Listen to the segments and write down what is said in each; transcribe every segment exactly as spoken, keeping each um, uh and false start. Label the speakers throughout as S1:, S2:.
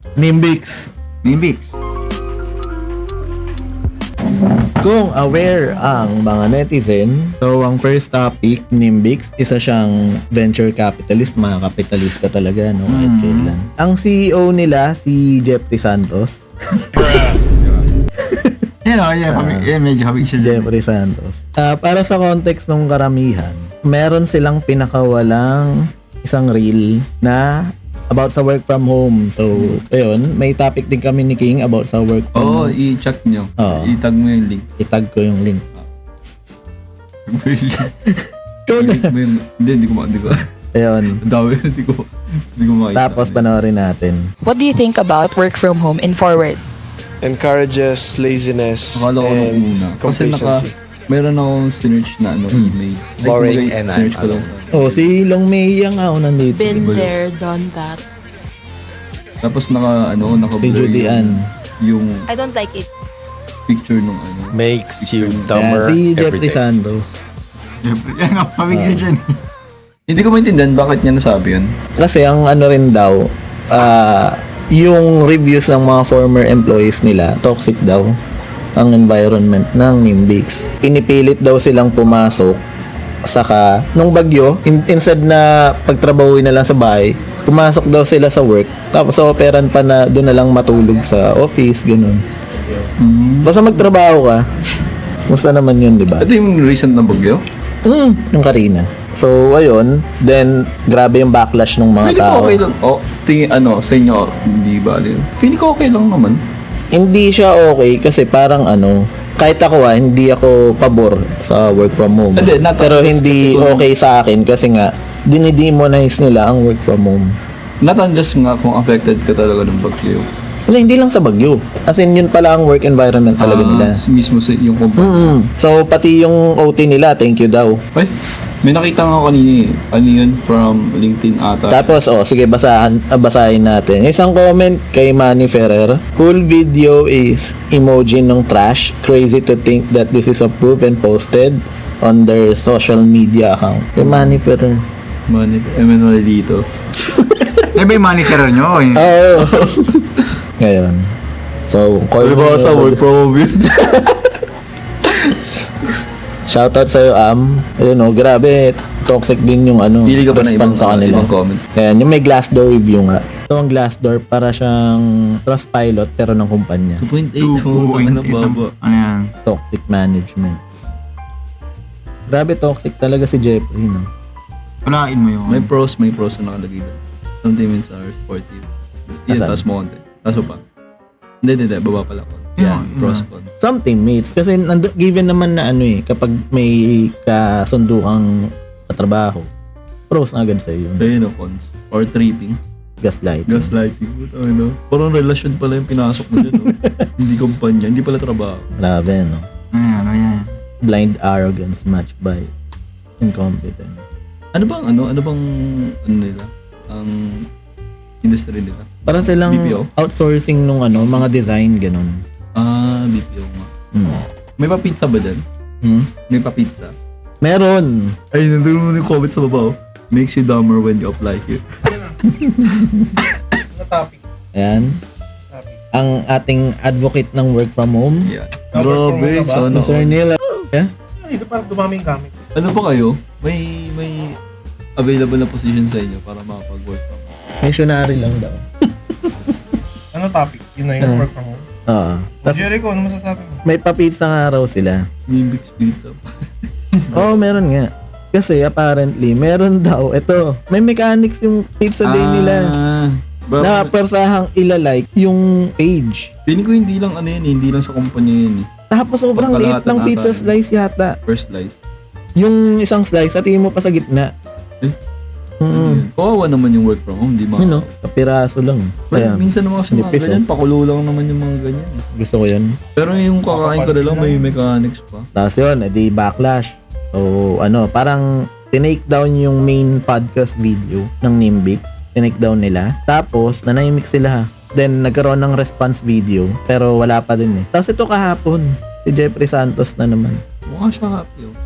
S1: Nimbix.
S2: Nimbix.
S1: Kung aware ang mga netizen, so ang first topic, Nimbix, isa siyang venture capitalist, mga kapitalista talaga, no? Kahit
S2: Mm.
S1: kailan. Ang C E O nila, si Jeffrey Santos.
S2: Yan o, yan, uh, yan, medyo habig siya dyan.
S1: Jeffrey Santos. Ah, para sa context ng karamihan, meron silang pinakawalang isang reel na about sa work from home. So, ayun, may topic din kami ni King about sa work from
S2: Oo, oh,
S1: home.
S2: i-check nyo.
S1: Oo.
S2: I-tag mo yung link.
S1: Itag ko yung link. Ikaw na.
S2: I-link mo yung... Hindi, hindi ko ma... Hindi ko...
S1: Ayun.
S2: Dami, hindi ko... Hindi ko makita.
S1: Tapos panoorin natin.
S3: What do you think about work from home in forward?
S4: Encourages laziness
S2: Akala ko nung una.
S4: and
S2: Kasi naka...
S4: complacency.
S2: Meron akong sinerch na ano, email. Like,
S4: Boring
S2: kumbaga,
S4: and
S2: sinerch ko
S4: ano.
S2: lang sa...
S1: Oh, si Long Mei Yang ah, nandito.
S3: Been there, done that.
S2: Tapos naka, ano, naka
S1: Si Judy Ann.
S2: Yung
S3: I don't like it.
S2: picture nung ano.
S4: Makes you
S1: Yan,
S4: dumber
S1: si
S4: every
S1: Jeffrey
S4: day.
S1: Santos.
S2: Yan nga, pamigsin siya. Hindi ko maintindihan bakit niya nasabi yun.
S1: Kasi ang ano rin daw, ah, yung reviews ng mga former employees nila, toxic daw ang environment ng Nimbix. Pinipilit daw silang pumasok, saka nung bagyo, in- instead na pagtrabahuin na lang sa bahay, pumasok daw sila sa work, tapos operan pa na doon na lang matulog sa office, ganun. Basta magtrabaho ka. Musta naman yun, di ba?
S2: Ito yung recent na bagyo?
S1: Mm, yung Karina. So, ayun. Then, grabe yung backlash ng mga
S2: Feeling ko
S1: tao.
S2: okay lang. Oh, tingin, ano, sa inyo, hindi ba? Feeling ko okay lang naman.
S1: Hindi siya okay kasi parang ano, kahit ako ah, hindi ako pabor sa work from home.
S2: Hindi, not
S1: Pero
S2: unless
S1: hindi
S2: kasi kung-
S1: okay sa akin kasi nga, dinidemonize nila ang work from home.
S2: Not unless nga kung affected ka talaga ng bagyo.
S1: Wala, hindi lang sa Bagyo. As in, yun pala ang work environment talaga nila.
S2: Ah, mismo sa yung company.
S1: Mm. So, pati yung O T nila, thank you daw.
S2: Ay, may nakita nga ako kanina eh. Ano yun? From LinkedIn ata.
S1: Tapos, oh, sige, basahan, ah, basahin natin. Isang comment kay Manny Ferrer. Cool video is emoji ng trash. Crazy to think that this is approved and posted on their social media account. Kay Manny Ferrer.
S2: Money, Emmanuel dito.
S5: Eh, may monitor nyo. Eh.
S1: Oo. Ngayon. So, call mo
S2: sa work from home yun.
S1: Shoutout sa'yo, Am. Ayun, oh, grabe. Toxic din yung ano,
S2: Pili ka ba ng ibang,
S1: response sa kanila.
S2: ibang comment?
S1: Ayan, yung may Glassdoor review nga. Ito ang Glassdoor para siyang Trustpilot pero ng kumpanya.
S2: two point eight.
S5: two point eight. Ano yan?
S1: Toxic management. Grabe toxic talaga si Jeffrey, no?
S5: Walain mo yun.
S2: May pros, may pros na nakalagay doon. Some teammates are supportive. Yan,
S1: Asan?
S2: taas mo konti. Taas mo pa. Hindi, hindi, hindi. Baba pala ko. Yan,
S5: Yeah,
S2: pros,
S5: yeah.
S2: con.
S1: Some teammates kasi nando, given naman na ano eh, kapag may kasundo kang katrabaho, pros na agad sa'yo yun.
S2: Ayun, no, cons. Or tripping.
S1: Gaslight.
S2: Gaslighting. Ano? Parang relasyon pala yung pinasok mo dyan. No? Hindi kumpanya, hindi pala trabaho.
S1: Grabe, no?
S5: Ano yan? Ano yan?
S1: Blind arrogance matched by incompetence.
S2: Ano bang, ano, ano bang, ano nila? Ang industry nila?
S1: Parang silang
S2: B P O?
S1: outsourcing nung ano, mga design, ganun.
S2: Ah, B P O nga.
S1: Hmm.
S2: May pa-pizza ba dyan?
S1: Hmm?
S2: May pa-pizza?
S1: Meron!
S2: Ay, nandun mo yung comment sa baba. Oh. Makes you dumber when you apply here.
S1: Ayan. Ang ating advocate ng work from home,
S2: Yeah. Grabe, sana.
S1: Mister Neil. Yeah?
S6: Dito parang dumaming gamit.
S2: Ano pa kayo? May, may available na position sa inyo para makapag-work from home.
S1: Missionary lang daw.
S6: Ano topic? Yun na yung
S1: Ah.
S6: work from home.
S1: Oo. Tapos
S6: Jericho, ano masasabi mo?
S1: may pa-pizza nga raw sila.
S2: Nimbix pizza.
S1: Oo, meron nga. Kasi apparently, meron daw. Ito, may mechanics yung pizza day nila.
S2: Ah, ba-
S1: Na persahang ilalike yung page.
S2: Feeling ko hindi lang ano yun, eh, hindi lang sa kumpanya yun eh.
S1: Tapos sobrang liit
S2: Pagkalahatan
S1: ng
S2: ata
S1: pizza
S2: yun.
S1: slice yata.
S2: First slice.
S1: Yung isang slice, at mo pa sa gitna.
S2: Eh?
S1: Mm.
S2: Kawawa naman yung work from home, di ba?
S1: Yun, no? Kapiraso lang.
S2: Well,
S1: Kaya,
S2: minsan naman kasi mga
S1: Nipis,
S2: ganyan, pakulo lang naman yung mga ganyan. eh.
S1: gusto ko yun.
S2: Pero yung kakain ko na lang, may mechanics pa.
S1: Tapos yun, edi backlash. So, ano, parang tinake down yung main podcast video ng Nimbix. Tinake down nila. Tapos, nanahimik sila. Then, nagkaroon ng response video. Pero wala pa din eh. Tapos ito kahapon, si Jeffrey Santos na naman.
S2: Mukha siya happy oh.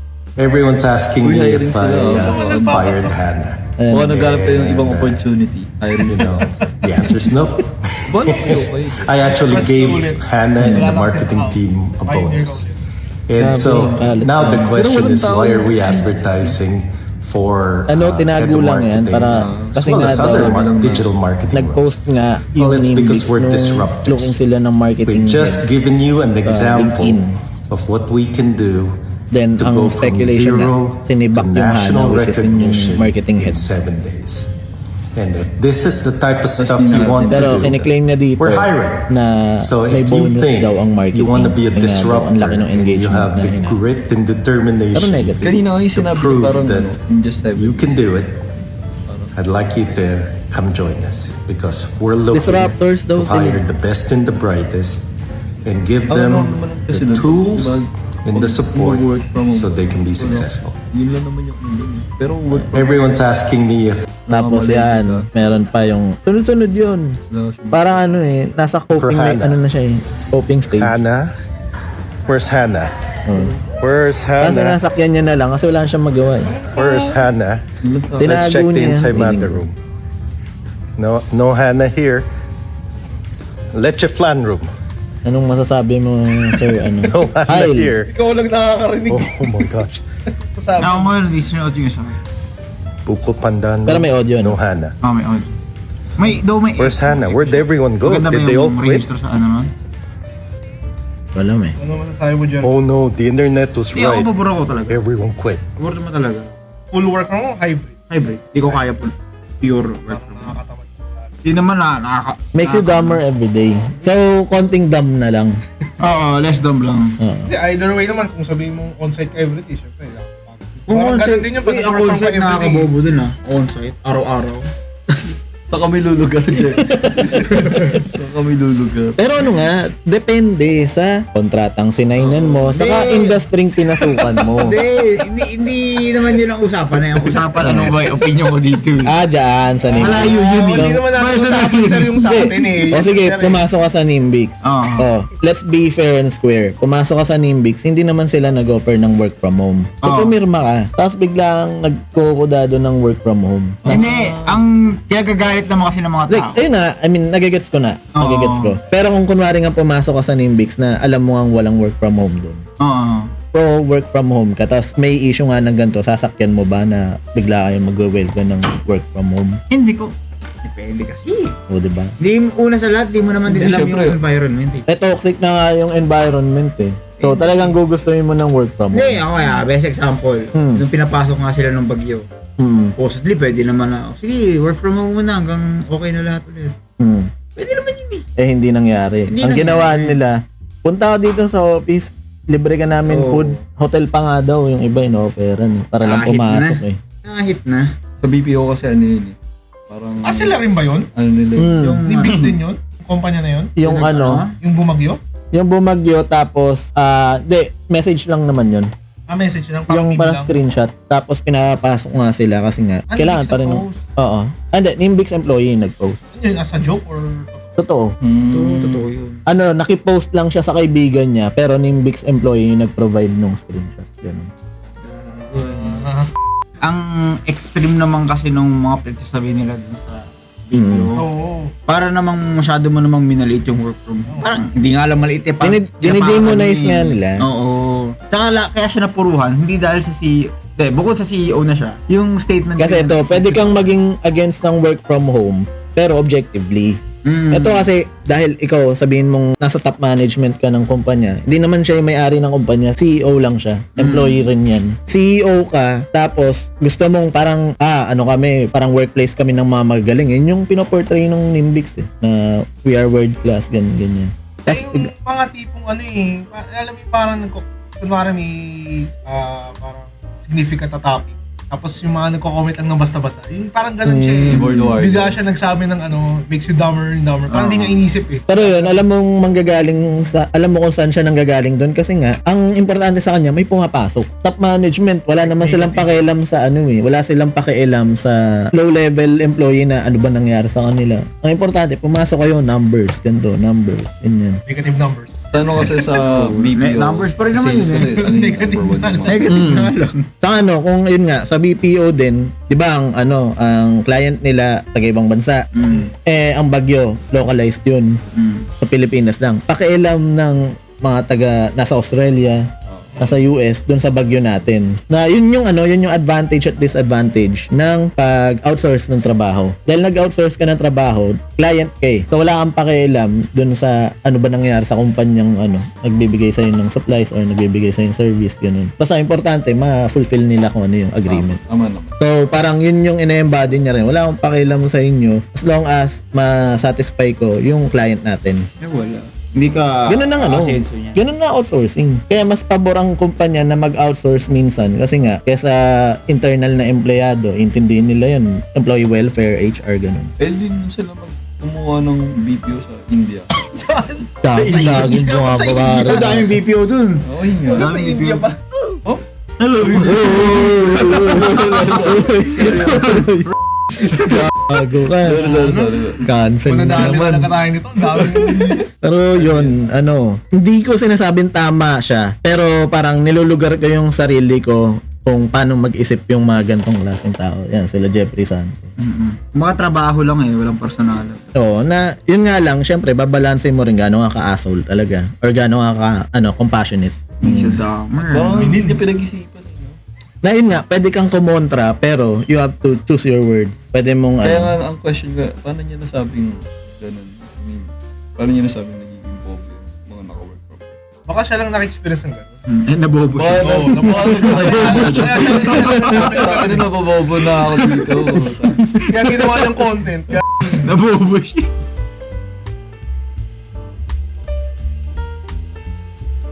S7: Everyone's asking
S2: Uy,
S7: me
S2: hiring
S7: if I
S2: sila,
S7: uh,
S2: oh.
S7: fired Hannah.
S1: Ayan.
S2: Mukha naghanap kayo ng ibang opportunity. Hiring
S7: You know, the answer is no.
S2: Bala kayo kayo.
S7: I actually
S6: Let's
S7: gave
S6: do it.
S7: Hannah and
S6: Wala
S7: the
S6: lang
S7: marketing
S6: sila.
S7: team a
S6: Pioneer
S7: bonus.
S6: daw
S7: And
S1: Grabe,
S7: so
S1: kalat
S7: now the
S1: na.
S7: question
S2: Pero walang
S7: is,
S2: tao
S7: why are we
S2: yun.
S7: advertising for
S1: Ano,
S7: uh,
S1: tinago
S7: Edo
S1: lang yan
S7: Marketing,
S1: para
S7: as
S1: kasi
S7: well
S1: nga
S7: as
S1: daw
S7: other mar- digital marketing
S1: nag-post
S7: roles?
S1: nga
S7: Well,
S1: yung
S7: it's
S1: Nimbix
S7: because we're
S1: nung
S7: disruptors.
S1: looking sila ng marketing
S7: We've just
S1: head.
S7: given you an example
S1: LinkedIn.
S7: of what we can do
S1: Then,
S7: to
S1: ang
S7: go from
S1: speculation
S7: zero
S1: nga, sinibak
S7: to
S1: yung Hana,
S7: national
S1: which is yung
S7: recognition
S1: marketing
S7: in
S1: head.
S7: seven days. And if this is the type of stuff
S2: hindi
S7: you
S2: natin-
S7: want to
S1: Pero
S7: do,
S1: kiniklaim niya dito
S7: we're hiring.
S1: na
S7: So
S1: may
S7: if you
S1: bonus
S7: think
S1: daw ang marketing.
S7: you want to be a
S1: Kasi nga daw,
S7: disruptor
S1: ang laki ng
S7: and you
S1: engagement
S7: have
S1: na
S7: the
S1: yun.
S7: grit and
S1: Pero
S7: determination
S1: negative.
S2: Kanina kayo
S7: to
S2: sinabi
S7: prove
S2: parang
S7: that
S2: ano, in just seven.
S7: you can do it, I'd like you to come join us because we're looking
S1: Disruptors daw
S7: to
S1: sila.
S7: hire the best and the brightest and give
S2: Ang
S7: them
S2: ano naman kasi
S7: the
S2: nun,
S7: tools
S2: diba,
S7: and the support
S2: mag-work from home.
S7: so they can be successful.
S2: Yun lang naman yung ano. eh. Pero work from
S7: Everyone's asking me if
S1: Tapos
S2: Nakamalengke
S1: yan,
S2: ka.
S1: meron pa yung sunod-sunod yun.
S2: Wala siya.
S1: Parang ano eh, nasa coping,
S7: For
S1: may,
S7: Hana.
S1: ano na siya eh, coping stage.
S7: Hannah. Where's Hannah?
S1: Oh.
S7: Where's
S1: Kasi
S7: Hannah?
S1: nasakyan niya na lang kasi wala siyang magawa eh.
S7: Where's Hannah?
S2: Walang tao.
S1: Tina-
S7: Let's check
S1: Tinago
S7: the
S1: niya.
S7: inside matter room. No, no Hannah here. Leche flan room.
S1: Anong masasabi mo, sir? Ano?
S7: No Hannah
S1: Kyle.
S7: here.
S6: Ikaw lang nakakarinig.
S7: Oh, oh my gosh.
S6: Sabi.
S5: Ako mo yun, di sinuot yung isa.
S7: Buko pandan.
S1: Pero may audio,
S7: No
S1: no?
S7: Hannah.
S5: Oh, may audio. May, daw may...
S7: Where's Hannah? Where'd everyone go?
S5: Maganda ba
S7: Did they all
S5: yung
S7: quit?
S5: register sa ano nun?
S1: Wala may.
S6: Ano masasabi mo dyan?
S7: Oh no, the internet was
S5: Hindi, ako
S7: right.
S5: pabor ako talaga.
S7: Everyone quit.
S5: Pabor naman talaga.
S6: Full work from home, hybrid.
S5: Hybrid. Hindi ko kaya po. Pure work from home.
S6: Nakakatamad.
S5: Hindi naman na, nakaka...
S1: Makes you dumber every day. So, konting dumb na lang.
S5: Oo, less dumb lang.
S6: Hindi, either way naman, kung sabihin mo on-site ka every day, syempre, nakakapagod.
S5: Kung
S6: Parang
S5: on-site,
S6: ganun din yung pag
S5: uy, ang
S6: work from
S5: on-site
S6: home every day.
S5: nakakabobo din ah. On-site, araw-araw.
S2: Sa kami lulugar dyan. Sa kami lulugar.
S1: Pero ano nga, depende sa kontratang sinainan mo, saka
S5: Hindi.
S1: industry pinasukan mo.
S5: Hindi, hindi, hindi naman yun ang usapan na yung usapan. Ano ba yung opinion ko dito?
S1: Ah, dyan, sa Nimbix.
S5: Malayo yun
S6: Oo,
S5: eh.
S6: Hindi naman natin
S5: Personal
S6: usapan sir yung sa atin eh.
S1: O sige,
S6: Sir, eh.
S1: pumasok ka sa Nimbix.
S5: Oo.
S1: Oh, let's be fair and square. Pumasok ka sa Nimbix, hindi naman sila nag-offer ng work from home. So,
S5: Oo.
S1: pumirma ka. Tapos biglang nagkukodado ng work from home.
S5: Hindi, ang kaya gagalit naman kasi ng mga
S1: Like,
S5: tao.
S1: ayun na, I mean, nagigets ko na.
S5: Oo.
S1: Nagigets ko. Pero kung kunwari nga pumasok ka sa Nimbix na alam mo ang walang work from home doon.
S5: Oo.
S1: Pro work from home ka, tapos may issue nga ng ganito, sasakyan mo ba na bigla kayong mag-welcome ng work from home?
S5: Hindi ko. Depende kasi.
S1: O, diba?
S5: Di una sa lahat, di mo naman din
S2: Hindi,
S5: alam
S2: syempre.
S5: yung environment eh.
S1: Eh, toxic na nga yung environment eh. So, talagang gugustuhin mo ng work from
S5: Hindi,
S1: home.
S5: ako kaya, best example.
S1: Hmm.
S5: Nung pinapasok nga sila ng bagyo.
S1: Hmm.
S5: Supposedly, pwede naman na, sige, work from home muna hanggang okay na lahat ulit.
S1: Hmm.
S5: Pwede naman yun eh.
S1: Eh, hindi nangyari.
S5: Hindi
S1: ang
S5: nangyari.
S1: ginawa nila, punta ka dito sa office, libre ka namin
S5: Oo.
S1: food. Hotel pa nga daw, yung iba in-offeran. eh, Para lang
S5: Kahit
S1: pumasok
S5: na.
S1: eh.
S5: Nakahit na.
S2: Sa B P O kasi ano yun eh. Parang...
S6: Ah, sila rin ba yun?
S2: Ano nila eh.
S1: Hmm.
S5: Yung,
S6: Nimbix din yun? Yung kumpanya na yun?
S1: Yung ano,
S6: Yung bumagyo?
S1: yung bumagyo tapos, ah, de, message lang naman yun.
S6: Ah, message lang.
S1: Yung
S6: pang-email
S1: parang
S6: lang.
S1: screenshot. Tapos pinapasok nga sila kasi nga,
S6: Ah,
S1: kailangan
S6: Nimbix
S1: pa rin.
S6: nag-post?
S1: Oo. Ah, Hindi, Nimbix employee yung nag-post.
S6: Ano yun, as a joke or...
S1: Totoo.
S5: Totoo, totoo yun.
S1: Ano, nakipost lang siya sa kaibigan niya, pero Nimbix employee yung nag-provide nung screenshot. Ganun.
S5: Ang extreme naman kasi nung mga pinagsasabi nila dun sa video.
S6: Oo.
S5: Para namang masyado mo namang minaliit yung work from home. Parang hindi nga lang maliit eh. Parang
S1: Dinid-
S5: ginapakan
S1: dinidemonize
S5: eh.
S1: nga nila.
S5: Oo. Tsaka la- kaya siya napuruhan, hindi dahil sa C E O. Eh, bukod sa C E O na siya. Yung statement
S1: Kasi
S5: nila-
S1: ito, pwede kang maging against ng work from home, pero objectively.
S5: Mm.
S1: Ito kasi, dahil ikaw sabihin mong nasa top management ka ng kumpanya, hindi naman siya yung may-ari ng kumpanya, C E O lang siya. Employee rin yan. C E O ka, tapos gusto mong parang, ah, ano kami, parang workplace kami ng mga magagaling. Yun yung pinoportray ng Nimbix eh, na we are world class, ganyan, ganyan.
S6: Tapos
S1: Tapos,
S6: yung mga tipong ano eh, pa- alam mo yung parang nagko, kunwari may ah, parang significant na topic. Tapos yung mga nagko-comment lang ng basta-basta. Yung parang ganun siya eh.
S2: Keyboard warrior.
S6: Bigla siya nagsabi ng ano, makes you dumber and dumber. Parang hindi nga inisip eh.
S1: pero yun, alam mong manggagaling sa, alam mo kung saan siya nanggagaling doon kasi nga, ang importante sa kanya, may pumapasok. Top management, wala naman silang pakialam sa ano eh, wala silang pakialam sa low level employee na ano ba nangyari sa kanila. Ang importante, pumasok kayo, numbers, ganito, numbers, ganyan.
S6: Negative numbers.
S2: Sa ano kasi sa B P O.
S5: Numbers pa rin naman
S2: sales
S5: yun eh.
S2: kasi, ano yung
S6: Negative
S2: number one
S6: na.
S2: naman.
S5: Negative na lang.
S1: Sa ano, kung yun nga, sa sa B P O din, 'di ba ang ano, ang client nila taga ibang bansa. Eh ang bagyo, localized 'yun. Sa Pilipinas lang. Pakialam ng mga taga nasa Australia, nasa U S, dun sa bagyo natin. Na yun yung ano, yun yung advantage at disadvantage ng pag-outsource ng trabaho. Dahil nag-outsource ka ng trabaho, client kay. So wala kang pakialam dun sa ano ba nangyayari sa kumpanyang ano, nagbibigay sa'yo ng supplies or nagbibigay sa'yo ng service, ganun. Basta importante, ma-fulfill nila kung ano yung agreement.
S2: Tama naman.
S1: So, parang yun yung ine-embody niya rin. Wala akong pakialam sa inyo as long as ma-satisfy ko yung client natin.
S5: Eh, wala. Hindi ka
S1: Ganun ang ano.
S5: asenso niya.
S1: Ganun na outsourcing. Kaya mas pabor ang kumpanya na mag-outsource minsan kasi nga kesa internal na empleyado, intindihin nila yun. Employee welfare, H R, ganun.
S2: Eh, din sila mag kumuha ng B P O sa India.
S1: Dami laging bumababa.
S5: Ang daming B P O dun.
S2: Oo, yun nga.
S5: Sa India pa.
S2: Oh?
S5: Hello.
S1: Gago ka.
S2: Sorry, sorry, sorry.
S1: Cancel na
S6: Manadali na
S1: naman.
S6: nakatayo nito. Ang dami.
S1: Pero yun, ano, hindi ko sinasabing tama siya. Pero parang nilulugar ko yung sarili ko kung paano mag-isip yung mga gantong klaseng tao. Yan, sila Jeffrey Santos.
S5: Mga trabaho lang eh, walang personal.
S1: Oo, na yun nga lang, syempre, babalansin mo rin gano'n nga ka-asshole talaga. Or gano'n nga ka, ano, compassionate.
S5: Medyo damer.
S2: Parang hindi niya pinag-isipan. eh, no?
S1: Na yun nga, pwede kang kumontra, pero you have to choose your words. Pwede mong,
S2: Kaya
S1: ano,
S2: nga, ang question ka, paano niya nasabing ganun? I mean, paano niya nasabing nagiging bobo yung mga naka-work from home?
S6: Baka siya lang naka-experience ng gano'n.
S5: Eh, nabobo siya.
S2: Oo, nabukasan ko kaya. Ano nababobo na ako dito.
S6: Kaya ginawa niyang content. Kaya
S5: Nabobo siya.